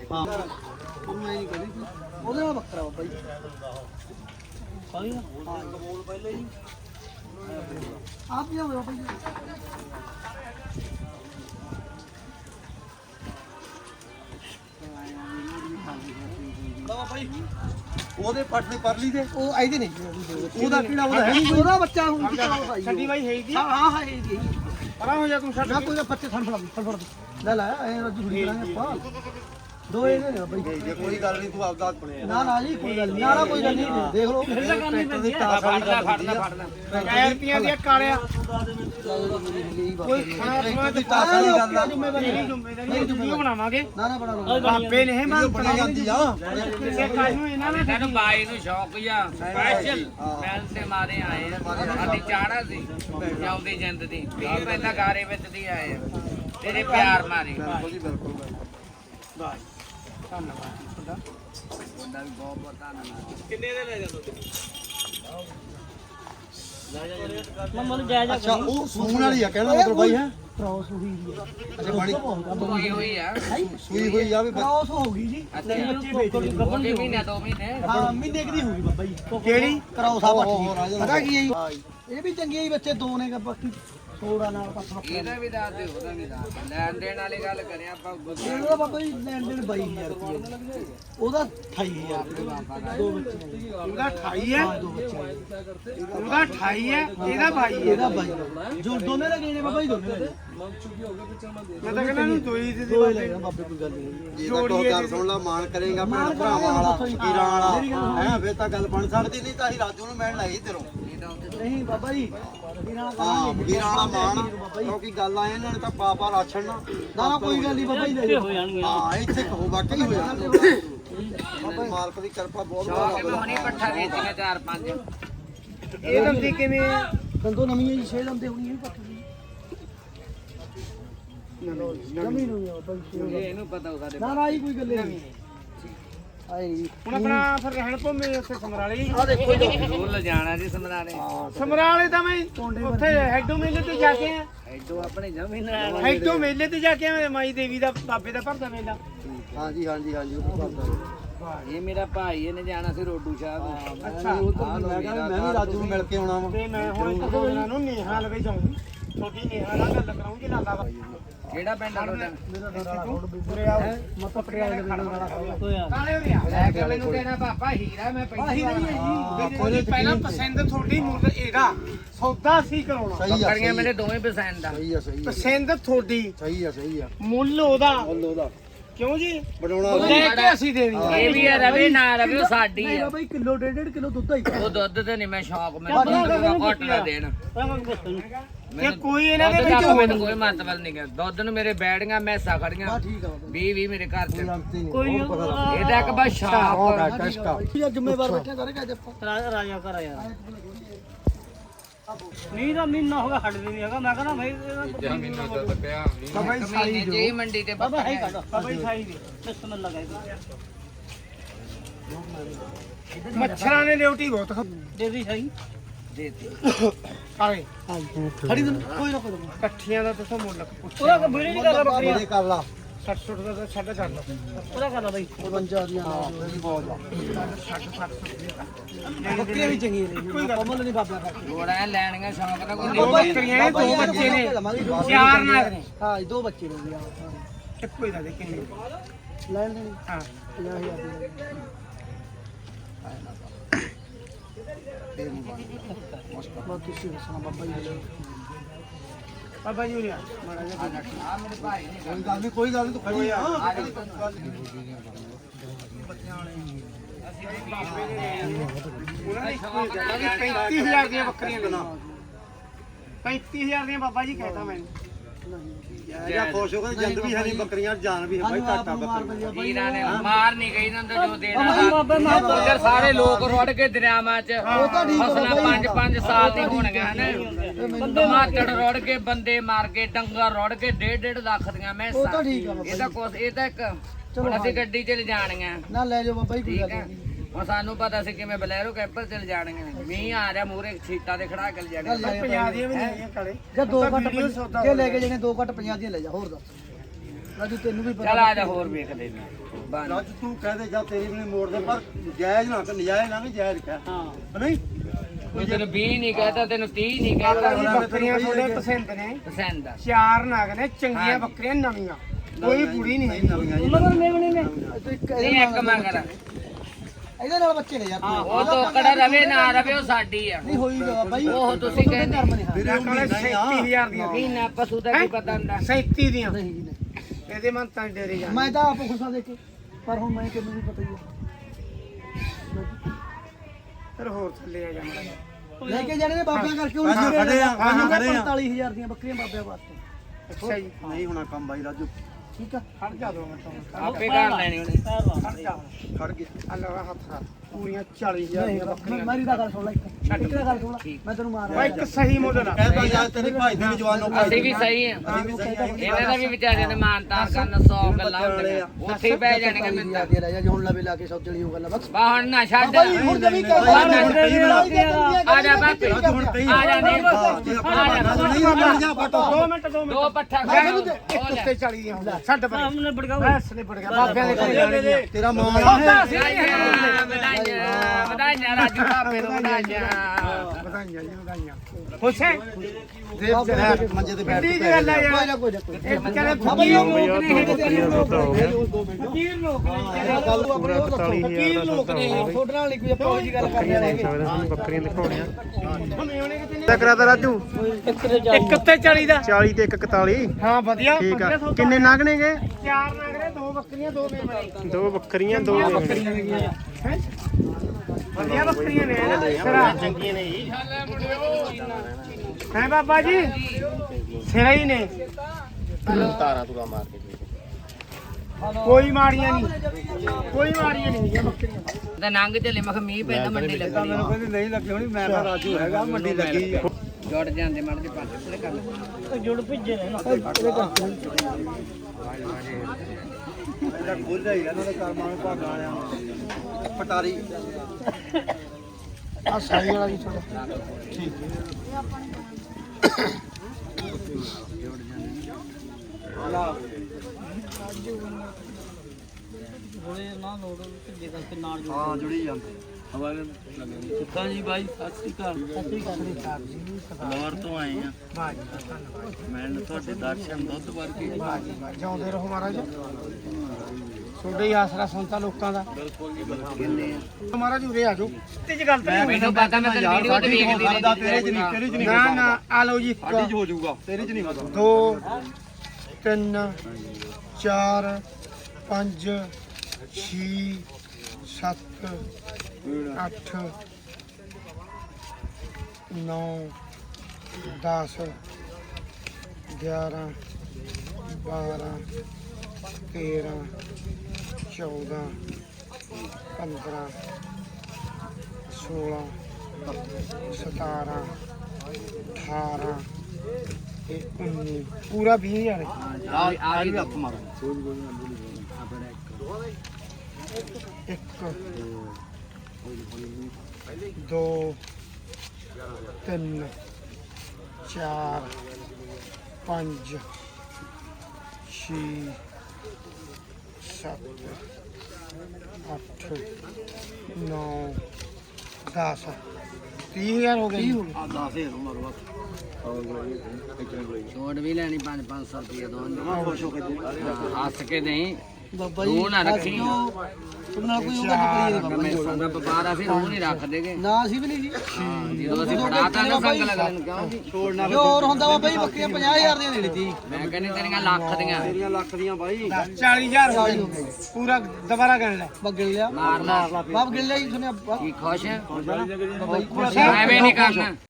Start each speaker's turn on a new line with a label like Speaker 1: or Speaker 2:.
Speaker 1: ਹਾਂ ਉਹਨੂੰ ਐ ਨਹੀਂ ਕਰੀ ਉਹਦੇ ਨਾਲ ਬੱਕਰਾ ਬਾਬਾ ਜੀ ਸਾਰੀ ਹਾਂ ਬੋਲ ਪਹਿਲੇ ਹੀ ਆਪ ਹੀ ਹੋਵੇ ਬਾਬਾ ਜੀ ਬਾਬਾ ਜੀ ਉਹਦੇ ਪੱਟ ਦੇ ਪਰਲੀ ਦੇ ਉਹ ਐਦੇ ਨਹੀਂ ਉਹਦਾ ਕਿਹੜਾ ਉਹਦਾ ਹੈ ਨਹੀਂ ਉਹਦਾ ਬੱਚਾ ਹੁਣ ਛੱਡੀ ਬਾਈ ਹੈ ਜੀ ਹਾਂ ਹਾਂ ਹੈ ਜੀ ਪਰਾਂ ਹੋ ਜਾ ਤੂੰ ਛੱਡ ਨਾ ਕੋਈ ਬੱਚੇ ਥਣ ਫੜ ਲੈ ਲੈ ਐ ਜ਼ਰੂਰੀ ਕਰਾਂਗੇ ਆਪਾਂ ਦੋ ਇਹਦੇ ਨੇ ਬਾਈ ਜੇ ਕੋਈ ਗੱਲ ਨਹੀਂ ਤੂੰ ਆਪਦਾ ਨਾ ਨਾ ਜੀ ਕੋਈ ਗੱਲ ਨਹੀਂ ਨਾ ਕੋਈ ਗੱਲ ਨਹੀਂ ਦੇਖ ਲਓ ਫੜਨਾ ਰੁਪਈਆਂ ਦੀਆਂ ਕਾਲਿਆ ਕੋਈ ਖਾਣਾ ਦੀ ਤਾਸ ਵਾਲੀ ਗੱਲ ਆ ਜ਼ਿੰਮੇਵਾਰੀ ਬਣਾਵਾਂਗੇ ਨਾ ਨਾ ਬਣਾ ਲਓ ਬਾਪੇ ਨੇ ਮੈਂ ਬਣਾ ਜਾਂਦੀ ਆ
Speaker 2: ਤੈਨੂੰ ਬਾਈ ਨੂੰ ਸ਼ੌਕ ਆ ਸਪੈਸ਼ਲ ਮੈਲ ਤੇ ਮਾਰੇ ਆਏ ਸਾਡੀ ਚਾੜਾ ਸੀ ਜਿਉਂਦੀ ਜਿੰਦ ਦੀ ਵੀ ਪਹਿਲਾਂ ਗਾਰੇ ਵਿੱਚ ਦੀ ਆਏ ਤੇਰੇ ਪਿਆਰ ਮਾਰੇ
Speaker 1: ਬਿਲਕੁਲ ਜੀ ਬਿਲਕੁਲ ਬਾਈ
Speaker 2: ਧੰਨਵਾਦ ਤੁਹਾਡਾ ਤੁਹਾਡਾ ਵੀ ਬਹੁਤ ਬਹੁਤ ਧੰਨਵਾਦ
Speaker 1: ਕਿੰਨੇ ਦੇ ਲੈ ਜਾਂਦੇ
Speaker 3: ਮਨ ਜਾਇਜ਼
Speaker 1: ਅੱਛਾ ਉਹ ਸੂਣ ਵਾਲੀ ਆ ਕਹਿਣਾ ਮਤਲਬ ਬਾਈ ਹੈ
Speaker 3: ਕ੍ਰਾਸ ਹੋਈ ਜੀ
Speaker 1: ਅੱਛਾ ਬਾਣੀ
Speaker 2: ਹੋਈ ਹੋਈ ਆ
Speaker 1: ਸੂਈ ਹੋਈ ਆ ਵੀ
Speaker 3: ਕ੍ਰਾਸ ਹੋ ਗਈ ਜੀ ਬੱਚੇ ਵੇਚਦੇ
Speaker 2: ਹੋ ਗਏ ਮਹੀਨਾ 2 ਮਹੀਨੇ
Speaker 3: ਹਾਂ ਮਹੀਨੇ ਦੀ ਹੋਊਗੀ ਬਾਬਾ ਜੀ
Speaker 1: ਕਿਹੜੀ
Speaker 3: ਕਰਾਓ ਸਾਹਿਬ ਪਤਾ ਕੀ ਹੈ ਜੀ ਇਹ ਵੀ ਚੰਗੀ ਹੈ ਬੱਚੇ ਦੋ ਨੇ ਬਾਕੀ ਥੋੜਾ ਨਾਲ ਪੱਥਾ
Speaker 2: ਇਹਦਾ ਵੀ ਦੱਸ ਦਿਓ ਉਹਦਾ ਵੀ ਦੱਸ ਲੈਣ ਦੇਣ ਵਾਲੀ ਗੱਲ ਕਰਿਆ ਆਪਾਂ
Speaker 3: ਉਹਦਾ ਬਾਬਾ ਜੀ ਲੈਣ ਦੇਣ 22000 ਰੁਪਏ ਉਹਦਾ 28000 ਰੁਪਏ ਦੋ ਬੱਚੇ
Speaker 1: ਉਹਦਾ 28 ਹੈ
Speaker 3: ਦੋ ਬੱਚੇ
Speaker 1: ਉਹਦਾ 28 ਹੈ ਇਹਦਾ 22 ਹੈ
Speaker 3: ਇਹਦਾ 22 ਜੋ ਦੋਨੇ ਲੱਗੇ ਨੇ ਬਾਬਾ ਜੀ ਦੋਨੇ ਲੱਗੇ
Speaker 1: ਮੈਂ ਤਾਂ ਕਹਿੰਦਾ ਨੂੰ ਦੋਈ ਦੇ
Speaker 3: ਦੋ ਹੀ ਲੈਣਾ ਬਾਬੇ ਕੋਈ ਗੱਲ ਨਹੀਂ
Speaker 1: ਜੋੜੀ ਗੱਲ ਸੁਣ ਲਾ ਮਾਨ ਕਰੇਗਾ ਭੈਣ ਭਰਾਵਾਂ ਵਾਲਾ ਫਕੀਰਾਂ ਵਾਲਾ ਹੈ ਫੇਰ ਤਾਂ ਗੱਲ ਬਣ ਸਕਦੀ ਨਹੀਂ ਤਾਂ ਅਸੀਂ ਰਾਜੂ ਨੂੰ ਮਿਲਣ ਆਏ ਤੇਰੋਂ
Speaker 3: ਨਹੀਂ ਬਾਬਾ ਜੀ
Speaker 1: ਹਾਂ ਫਕੀਰਾਂ ਵਾਲਾ ਮਾਨ ਕਿਉਂਕਿ ਗੱਲ ਆਏ ਇਹਨਾਂ ਨੇ ਤਾਂ ਪਾਪਾ ਰਾਛਣ ਨਾ
Speaker 3: ਨਾ ਕੋਈ ਗੱਲ ਨਹੀਂ ਬਾਬਾ ਜੀ ਹੋ ਜਾਣਗੇ
Speaker 1: ਹਾਂ ਇੱਥੇ ਕਹੋ ਵਾਕਈ ਹੋਇਆ ਬਾਬਾ ਮਾਲਕ ਦੀ ਕਿਰਪਾ ਬਹੁਤ
Speaker 2: ਸ਼ੌਕ ਮੈਂ ਹੁਣੀ ਪੱਠਾ ਵੇਚੀਆਂ 4-5
Speaker 1: ਇਹ ਦੰਦੀ ਕਿਵੇਂ ਆ
Speaker 3: ਦੰਦੋ ਨਵੀਂ ਹੈ ਜੀ 6 ਦੰਦੇ ਹੋਣੀ ਹੈ ਪੱਟ ਨਵੀਂ ਨੂੰ ਬਾਬਾ ਜੀ
Speaker 2: ਇਹਨੂੰ ਪਤਾ ਹੋਗਾ
Speaker 3: ਨਾ ਨਾ ਜੀ ਕੋਈ ਗੱਲ ਨਹੀਂ ਆਏ ਨਹੀਂ
Speaker 1: ਹੁਣ ਆਪਣਾ ਫਿਰ ਰਹਿਣ ਭੋਮੇ ਉੱਥੇ ਸਮਰਾਲੇ
Speaker 3: ਆ ਦੇਖੋ ਜੀ
Speaker 2: ਜ਼ਰੂਰ ਲਿਜਾਣਾ ਜੀ ਸਮਰਾਲੇ
Speaker 1: ਸਮਰਾਲੇ ਤਾਂ ਮੈਂ ਉੱਥੇ ਹੈਡੋ ਮੇਲੇ ਤੇ ਜਾ ਕੇ ਆ
Speaker 2: ਐਡੋ ਆਪਣੇ ਜ਼ਮੀਨ
Speaker 1: ਹੈਡੋ ਮੇਲੇ ਤੇ ਜਾ ਕੇ ਆ ਮਾਈ ਦੇਵੀ ਦਾ ਬਾਬੇ ਦਾ ਭਰਦਾ ਮੇਲਾ ਹਾਂਜੀ ਹਾਂਜੀ ਹਾਂਜੀ ਉਹ ਭਰਦਾ
Speaker 2: ਇਹ ਮੇਰਾ ਭਾਈ ਇਹਨੇ ਜਾਣਾ ਸੀ ਰੋਡੂ ਸਾਹਿਬ
Speaker 1: ਅੱਛਾ ਮੈਂ ਵੀ ਰਾਜੂ ਨੂੰ ਮਿਲ ਕੇ ਆਉਣਾ ਵਾ ਤੇ ਮੈਂ ਹੁਣ ਇੱਕ ਦੋ ਦਿਨਾਂ ਨੂੰ ਨੇਹਾ ਲਵੇ ਜਾਊਂਗੀ ਛੋਟੀ ਨੇਹਾ ਨਾਲ ਗੱਲ ਕਰਾਉਂਗੀ ਲਾਲਾ ਵਾ
Speaker 2: ਕਿਹੜਾ ਪਿੰਡ ਆ ਤੁਹਾਡਾ
Speaker 3: ਮੱਤਾ ਪਟਿਆਲੇ ਦੇ ਵਾਲਾ ਹੋਇਆ
Speaker 1: ਕਾਲੇ ਹੋ ਰਿਹਾ
Speaker 2: ਲੈ ਕੇ ਮੈਨੂੰ ਕਹਿਣਾ ਪਾਪਾ ਹੀਰਾ ਮੈਂ
Speaker 3: ਆਹੀ ਨਹੀਂ ਹੈ
Speaker 1: ਜੀ ਪਹਿਲਾਂ ਪਸੰਦ ਤੁਹਾਡੀ ਮੁੱਲ ਇਹਦਾ ਸੌਦਾ ਸੀ ਕਰਾਉਣਾ
Speaker 2: ਬੱਕਰੀਆਂ ਮੇਰੇ ਦੋਵੇਂ ਪਸੰਦ ਆ
Speaker 1: ਸਹੀ ਆ ਪਸੰਦ ਤੁਹਾਡੀ ਸਹੀ ਆ ਮੁੱਲ ਉਹਦਾ ਕਿਉਂ ਜੀ ਬਣਾਉਣਾ ਲੈ ਕੇ ਅਸੀਂ ਦੇਣੀ
Speaker 2: ਇਹ ਵੀ ਆ ਰਵੇ ਨਾ ਰਵੇ ਉਹ ਸਾਡੀ
Speaker 3: ਨਹੀਂ
Speaker 2: ਆ
Speaker 3: ਬਾਬਾ ਜੀ ਕਿਲੋ 1.5 ਕਿਲੋ ਦੁੱਧ ਆਈ
Speaker 2: ਉਹ ਦੁੱਧ ਤੇ ਨਹੀਂ ਮੈਂ ਸ਼ੌਕ ਮੈਨੂੰ ਘੱਟ ਨਾ ਦੇਣ
Speaker 1: ਕਿ ਕੋਈ ਇਹਨਾਂ ਦੇ ਵਿੱਚ
Speaker 2: ਮੈਨੂੰ ਕੋਈ ਮਤਲਬ ਨਹੀਂ ਗਾ ਦੁੱਧ ਨੂੰ ਮੇਰੇ ਬੈੜੀਆਂ ਮੈਸਾਂ ਖੜੀਆਂ
Speaker 3: ਠੀਕ ਆ
Speaker 2: 20 ਮੇਰੇ ਘਰ ਚ
Speaker 3: ਕੋਈ
Speaker 2: ਇਹਦਾ ਇੱਕ ਬਸ ਸ਼ੌਕ
Speaker 3: ਜ਼ਿੰਮੇਵਾਰ ਬੈਠੇ ਸਾਰੇ ਕਾਜ ਆਪਾਂ ਰਾਜਾ ਘਰ ਯਾਰ ਨਹੀਂ ਦਾ ਮਹੀਨਾ ਹੋ ਗਿਆ ਹਟਦੇ ਨਹੀਂ ਹੈਗਾ ਮੈਂ ਕਹਿੰਦਾ ਭਾਈ
Speaker 2: ਮਹੀਨਾ ਤਾਂ ਪਿਆ ਮਹੀਨੇ ਜੇ ਮੰਡੀ ਤੇ
Speaker 3: ਬਾਬਾ ਹੈ ਕੱਢ ਬਾਬਾ ਹੀ ਖਾਈ ਦੇ ਬਿਸਮਿਲ੍ਲਾ ਲਗਾਈ
Speaker 1: ਮੱਛਰਾਂ ਨੇ ਡਿਊਟੀ ਬਹੁਤ
Speaker 3: ਦੇ ਦੀ ਸਹੀ
Speaker 2: ਦੇਤੀ
Speaker 1: ਆਏ
Speaker 3: ਖੜੀ ਦਿਨ ਕੋਈ ਨਾ ਕੋਈ
Speaker 1: ਇਕੱਠੀਆਂ ਦਾ ਤੁਸੀਂ ਮੁੱਲ
Speaker 3: ਉਹਦਾ ਕੋਈ ਵੀਰੇ ਨਹੀਂ ਕਰਦਾ ਬੱਕਰੀਆਂ
Speaker 1: ਕਰ ਲਾ 60 ਦਾ ਛੱਡ ਛੱਡ ਲਾ
Speaker 3: ਉਹਦਾ ਕਰਦਾ ਬਾਈ 52 ਦੀਆਂ ਬੱਕਰੀਆਂ ਵੀ ਚੰਗੀਆਂ ਨੇ ਕੋਈ ਗੱਲ ਨਹੀਂ ਬਾਬਾ ਕਰਕੇ
Speaker 2: ਗੋੜਾ ਲੈਣੀਆਂ ਸ਼ੌਕ ਨਾਲ ਕੋਈ
Speaker 1: ਦੋ ਬੱਕਰੀਆਂ ਨੇ ਦੋ ਬੱਚੇ ਨੇ ਚਾਰ ਨਾਲ ਨੇ
Speaker 3: ਹਾਂ ਦੋ ਬੱਚੇ ਨੇ ਯਾਰ
Speaker 1: ਇੱਕੋ ਹੀ ਦਾ ਦੇ ਕਿੰਨੇ
Speaker 3: ਲੈਣ ਦੇਣੀ
Speaker 1: ਹਾਂ
Speaker 3: 50000 ਦੇ ਬਾਕੀ ਸੀ ਦੱਸਣਾ ਬਾਬਾ ਜੀ
Speaker 1: ਬਾਬਾ ਜੀ ਉਰਿਆ ਮਾੜਾ ਜਿਹਾ
Speaker 2: ਆ ਮੇਰੇ ਭਾਈ ਨੇ
Speaker 1: ਕੋਈ ਗੱਲ ਨਹੀਂ ਤੂੰ ਖੜੀ ਆ ਉਹਨਾਂ ਨੇ 35000 ਦੀਆਂ ਬੱਕਰੀਆਂ ਲੈਣਾ 35000 ਦੀਆਂ ਬਾਬਾ ਜੀ ਕਹਿਤਾ ਮੈਨੂੰ ਜਾਂ ਖੁਸ਼ ਹੋ ਕੇ ਜੰਦ ਵੀ ਹੈ ਨਹੀਂ ਬੱਕਰੀਆਂ ਜਾਨ ਵੀ ਹੈ ਭਾਈ ਘਾਟਾ ਬੱਕਰੀਆਂ
Speaker 2: ਵੀਰਾਂ ਨੇ ਮਾਰ ਨਹੀਂ ਗਈ ਨਾ ਜੋ ਦੇਣਾ ਉਧਰ ਸਾਰੇ ਲੋਕ ਰੁੜ ਕੇ ਦਰਿਆਵਾਂ 'ਚ ਫਸਲਾਂ 5-5 ਸਾਲ ਦੀ ਹੋਣਗੀਆਂ ਹਨ ਟਮਾਟਰ ਰੁੜ ਕੇ ਬੰਦੇ ਮਾਰ ਕੇ ਡੰਗਰ ਰੁੜ ਕੇ 1.5 ਲੱਖ ਦੀਆਂ ਮੈਸਾਂ ਇਹਦਾ ਕੁਛ ਇਹ ਤਾਂ ਇੱਕ ਅਸੀਂ ਗੱਡੀ 'ਚ ਲਿਜਾਣੀਆਂ
Speaker 3: ਨਾ ਲੈ ਜਾਓ ਬਾਬਾ ਜੀ ਕੋਈ ਗੱਲ ਨਹੀਂ
Speaker 2: ਹੁਣ ਸਾਨੂੰ ਪਤਾ ਸੀ ਕਿਵੇਂ ਬਲੈਰੋ ਕੈਂਪਰ 'ਚ ਲਿਜਾਣੀਆਂ ਮੀਂਹ ਆ ਰਿਹਾ ਮੂਰੇ ਸੀਟਾਂ ਤੇ ਖੜਾ ਕੇ ਲਿਜਾਣੀਆਂ
Speaker 1: 50 ਦੀਆਂ ਵੀ ਨਹੀਂ ਕਾਲੇ
Speaker 3: ਜੇ 2 ਘੱਟ ਜੇ ਲੈ ਕੇ ਜਾਣੇ 2 ਘੱਟ 50 ਦੀਆਂ ਲੈ ਜਾ ਹੋਰ ਦੱਸ
Speaker 1: ਰਾਜੂ ਤੈਨੂੰ ਵੀ
Speaker 2: ਚੱਲ ਆ ਜਾ ਹੋਰ ਵੇਖਦੇ ਨੇ ਬਣ
Speaker 3: ਰਾਜੂ ਤੂੰ ਕਹਦੇ ਜਾ ਤੇਰੀ ਵੀ ਮੋੜ ਦੇ ਪਰ ਜਾਇਜ਼ ਨਾ ਨਜਾਇਜ਼ ਨਾ ਜਾਇਜ਼ ਕਹਿ ਹਾਂ ਨਹੀਂ
Speaker 2: ਕੋਈ ਤੈਨੂੰ 20 ਨਹੀਂ ਕਹਤਾ ਤੈਨੂੰ 30 ਨਹੀਂ ਕਹਤਾ
Speaker 1: ਬੱਕਰੀਆਂ ਥੋੜੇ ਪਸੰਦ ਨੇ
Speaker 2: ਪਸੰਦ ਆ
Speaker 1: ਚਾਰ ਨਗ ਨੇ ਚੰਗੀਆਂ ਬੱਕਰੀਆਂ ਨਵੀਆਂ ਕੋਈ ਬੁੜੀ ਨਹੀਂ ਹੈਗੀ ਮਗਰ ਮੇਵਣੇ ਨੇ
Speaker 2: ਨਹੀਂ ਇੱਕ ਮੈਂ ਕਰਾਂ
Speaker 1: ਇਹਦੇ ਨਾਲ ਬੱਚੇ ਨੇ ਯਾਰ
Speaker 2: ਉਹ ਤੋਕੜਾ ਰਵੇ ਨਾ ਰਵੇ ਉਹ ਸਾਡੀ ਆ
Speaker 1: ਨਹੀਂ ਹੋਈਗਾ ਬਾਈ
Speaker 2: ਉਹ ਤੁਸੀਂ ਕਹਿੰਦੇ
Speaker 3: ਵੀਰੇ ਉਹ ਮਹੀਨਾ
Speaker 1: 37000 ਦੀਆਂ
Speaker 2: ਮਹੀਨਾ ਪਸ਼ੂ ਦਾ ਕੀ ਪਤਾ ਹੁੰਦਾ
Speaker 1: 37 ਦੀਆਂ ਇਹਦੇ ਮਨ ਤਾਂ ਡੇਰੇ ਜਾ ਮੈਂ ਤਾਂ ਆਪ ਖੁਸ਼ਾ ਦੇ ਕੇ ਪਰ ਹੁਣ ਮੈਂ ਕਿਹਨੂੰ ਵੀ ਪਤਾ ਹੀ ਹੈ ਫਿਰ ਹੋਰ ਥੱਲੇ ਆ ਜਾਣਾ ਲੈ ਕੇ ਜਾਣੇ ਨੇ ਬਾਬਿਆਂ ਕਰਕੇ ਉਹ
Speaker 3: ਖੜੇ ਆ
Speaker 1: 45000 ਦੀਆਂ ਬੱਕਰੀਆਂ ਬਾਬਿਆਂ ਵਾਸਤੇ ਅੱਛਾ ਜੀ
Speaker 3: ਨਹੀਂ ਹੋਣਾ ਕੰਮ ਬਾਈ ਰਾਜੂ
Speaker 1: ਠੀਕ ਆ ਖੜ ਜਾ ਦੋ ਮਿੰਟ
Speaker 2: ਆਪੇ ਕਰ ਲੈਣੀ ਉਹਨੇ
Speaker 1: ਖੜ ਜਾ
Speaker 3: ਖੜ ਗਿਆ
Speaker 1: ਅੱਲਾ ਹੱਥ ਪੂਰੀਆਂ 40000 ਦੀਆਂ ਬੱਕਰੀਆਂ ਮੇਰੀ ਦਾ ਗੱਲ ਸੁਣ ਲੈ ਇੱਕ ਦਾ ਗੱਲ ਸੁਣ ਲੈ ਮੈਂ ਤੈਨੂੰ ਮਾਰਾਂ ਇੱਕ ਸਹੀ ਮੁੱਲ ਆ
Speaker 3: ਕਹਿੰਦਾ ਯਾਰ ਤੇਰੇ ਭਾਈ ਦੀ ਜਵਾਨੋਂ
Speaker 2: ਅਸੀਂ ਵੀ ਸਹੀ ਆ ਇਹਨਾਂ ਦਾ ਵੀ ਵਿਚਾਰਿਆਂ ਦੇ ਮਾਨਤਾਨ ਕਰਨ 100 ਗੱਲਾਂ ਹੁੰਦੀਆਂ ਉੱਥੇ ਹੀ ਬਹਿ ਜਾਣਗੇ ਮੈਂ
Speaker 1: ਲਾ ਕੇ ਰਹਿ ਜਾ ਹੁਣ ਲਵੇ ਲਾ ਕੇ ਸੌ ਚਲੀ ਉਹ ਗੱਲ ਬਸ
Speaker 2: ਬਾ ਹੁਣ ਨਾ ਛੱਡ
Speaker 1: ਹੁਣ ਜਮੀ
Speaker 2: ਆ ਜਾ ਬਾਪੇ
Speaker 3: ਰਾਜੂ ਹੁਣ ਕਹੀ
Speaker 2: ਆ ਜਾ ਨਹੀਂ
Speaker 3: ਨਹੀਂ ਮੰਨ ਜਾ ਪਟੋ
Speaker 1: 2 ਮਿੰਟ
Speaker 2: ਦੋ ਪੱਠਾ
Speaker 1: ਇੱਕ ਉੱਤੇ 40 ਦੀਆਂ ਹੁੰਦਾ ਛੱਡ ਪਰ ਸਾਹਮਣੇ ਬੜਗਾ ਬਸ ਨੇ ਬੜਗਾ ਬਾਬਿਆਂ ਦੇ ਘਰੇ ਜਾਣੀ ਆ
Speaker 3: ਤੇਰਾ ਮਾਣ ਆ
Speaker 2: ਵਧਾਈਆਂ ਰਾਜੂ ਬਾਪੇ ਨੂੰ ਵਧਾਈਆਂ
Speaker 1: ਵਧਾਈਆਂ ਜੀ ਵਧਾਈਆਂ ਖੁਸ਼ ਹੈ
Speaker 3: ਮੰਜੇ ਤੇ ਬੈਠ
Speaker 1: ਠੀਕ ਗੱਲ ਹੈ ਯਾਰ ਕੋਈ ਕਹਿੰਦੇ ਫਕੀਰ ਲੋਕ ਨੇ ਗੱਲ ਆਪਣੇ ਉਹ ਦੱਸੋ ਫਕੀਰ ਲੋਕ ਨੇ ਤੁਹਾਡੇ ਨਾਲ ਨਹੀਂ ਕੋਈ ਆਪਾਂ ਜੀ ਗੱਲ ਕਰਦੇ ਰਹੇ
Speaker 4: ਸਾਨੂੰ ਬੱਕਰੀਆਂ ਦਿਖਾਉਣੀਆਂ
Speaker 1: ਕਿਆ
Speaker 4: ਕਰਾਦਾ ਰਾਜੂ
Speaker 1: ਇੱਕ ਉੱਤੇ 40 ਦਾ
Speaker 4: 40 ਤੇ 141
Speaker 1: ਹਾਂ ਵਧੀਆ
Speaker 4: ਠੀਕ ਆ ਕਿੰਨੇ ਨਗ ਨੇਗੇ
Speaker 1: ਚਾਰ ਨਾਗਰੇ ਦੋ ਬੱਕਰੀਆਂ ਦੋ ਮੇਮਣੇ
Speaker 4: ਦੋ ਬੱਕਰੀਆਂ ਦੋ
Speaker 1: ਬੱਕਰੀਆਂ ਨੇ ਵਧੀਆ ਬੱਕਰੀਆਂ ਨੇ ਸਿਰਾ ਚੰਗੀਆਂ ਨੇ ਜੀ ਹੈ ਬਾਬਾ ਜੀ ਸਿਰਾ ਹੀ ਨੇ
Speaker 4: ਤਾਰਾਂ ਤੁਰਾ ਮਾਰ ਕੇ
Speaker 1: ਕੋਈ ਮਾੜੀਆਂ ਨਹੀਂ ਹੈਗੀਆਂ ਬੱਕਰੀਆਂ
Speaker 2: ਤੇ ਨੰਗ ਚੱਲੇ ਮੈਂ ਮੀਂਹ ਪੈਂਦਾ ਮੰਡੀ ਲੱਗਣੀ
Speaker 3: ਮੈਨੂੰ ਕਹਿੰਦੀ ਨਹੀਂ ਲੱਗੀ ਹੋਣੀ ਮੈਂ ਤਾਂ ਰਾਜੂ ਹੈਗਾ ਮੰਡੀ ਲੱਗੀ ਆ
Speaker 2: ਜੁੜ ਜਾਂਦੇ ਮੜ ਦੇ ਪੱਟ ਪੂਰੇ ਕਰ ਲੈ
Speaker 1: ਜੁੜ ਭਿੱਜੇ ਨੇ ਨਾ
Speaker 3: ਇਹਦਾ ਖੋਲਿਆ ਹੀ ਇਹਨਾਂ ਦੇ ਕਰਮਾਂ ਨੂੰ ਭਾਗਾਂ ਵਾਲਿਆਂ ਪਟਾਰੀ
Speaker 1: ਆ ਸਾਈ ਵਾਲਾ ਵੀ ਥੋੜਾ
Speaker 3: ਹਾਂ ਜੁੜੀ ਜਾਂਦੇ
Speaker 2: ਸਿੱਖਾਂ ਜੀ ਬਾਈ ਸਤਿ ਸ੍ਰੀ ਅਕਾਲ
Speaker 3: ਲੋਰ ਤੋਂ ਆਏ ਆ
Speaker 1: ਧੰਨਵਾਦ
Speaker 3: ਮੈਂ ਤੁਹਾਡੇ ਦਰਸ਼ਨ ਦੁੱਧ ਵਰਗੇ
Speaker 1: ਜਿਉਂਦੇ ਰਹੋ ਮਹਾਰਾਜ ਤੁਹਾਡੇ ਹੀ ਆਸਰਾ ਸੁਣਤਾ ਲੋਕਾਂ ਦਾ ਮਹਾਰਾਜ ਉਰੇ ਆ ਜਾਓ ਤੇ ਗੱਲ ਤਾਂ
Speaker 2: ਮੈਨੂੰ ਪਤਾ ਮੈਂ ਤੇਰੀ ਵੀਡੀਓ ਤੇ ਵੇਖਦੀ
Speaker 3: ਤੇਰੇ ਚ ਨਹੀਂ
Speaker 1: ਨਾ ਨਾ ਆ ਲਓ ਜੀ
Speaker 3: ਸਾਡੀ ਚ ਹੋ ਜਾਊਗਾ ਤੇਰੇ ਚ ਨਹੀਂ ਹੋਦਾ
Speaker 1: 2 3 4 5 6 7 8 9 10 11 12 13 14 15 16 17 18 ਤੇ 19 ਪੂਰਾ 20000
Speaker 3: ਆ ਵੀ ਹੱਥ ਮਾਰੋ
Speaker 1: 1 2 3 4 5 6 7 8 9 10 30000 ਹੋ ਗਏ
Speaker 3: ਆ 10000 ਮਾਰੋ
Speaker 2: ਛੋੜ ਵੀ ਲੈਣੀ 500 ਰੁਪਏ ਦੋਨ
Speaker 3: ਮੈਂ ਖੁਸ਼ ਹੋ ਕੇ
Speaker 2: ਹੱਸ ਕੇ ਨਹੀਂ
Speaker 1: ਬਾਬਾ
Speaker 2: ਤੂੰ ਨਾ ਰੱਖੀ
Speaker 1: ਤੁਹਾਡੇ ਨਾਲ ਕੋਈ ਉਹ ਗੱਲ ਕਰੀਏ ਬਾਬਾ ਜੀ
Speaker 2: ਦਾ ਵਪਾਰ ਅਸੀਂ ਉਹ ਨਹੀਂ ਰੱਖ ਦੇਗੇ
Speaker 1: ਨਾ ਅਸੀਂ ਵੀ ਨਹੀਂ ਜੀ
Speaker 2: ਜਦੋਂ ਅਸੀਂ ਫੜਾਤਾ ਨਾ ਸੰਗ ਲੱਗਣ ਨੂੰ ਕਿਉਂ ਜੀ
Speaker 3: ਛੋੜਨਾ
Speaker 1: ਜੋ ਹੋਰ ਹੁੰਦਾ ਬਾਬਾ ਜੀ ਬੱਕਰੀਆਂ 50000 ਦੀਆਂ ਦੇਣੀ ਸੀ
Speaker 2: ਮੈਂ ਕਹਿੰਦੀ ਤੇਰੀਆਂ ਲੱਖ ਦੀਆਂ
Speaker 3: ਤੇਰੀਆਂ ਲੱਖ ਦੀਆਂ ਬਾਈ
Speaker 1: 40000 ਹੋ ਗਏ ਪੂਰਾ ਦੁਬਾਰਾ ਗਿਣ ਲੈ ਬਗਲ ਲਿਆ
Speaker 2: ਮਾਰ ਲਾ
Speaker 1: ਬਾਬ ਗਿਣ ਲਿਆ ਜੀ ਸੁਣਿਆ
Speaker 2: ਕੀ ਖੁਸ਼ ਹੈ
Speaker 1: ਬਾਬਾ ਜੀ
Speaker 2: ਐਵੇਂ ਨਹੀਂ ਕਰਨਾ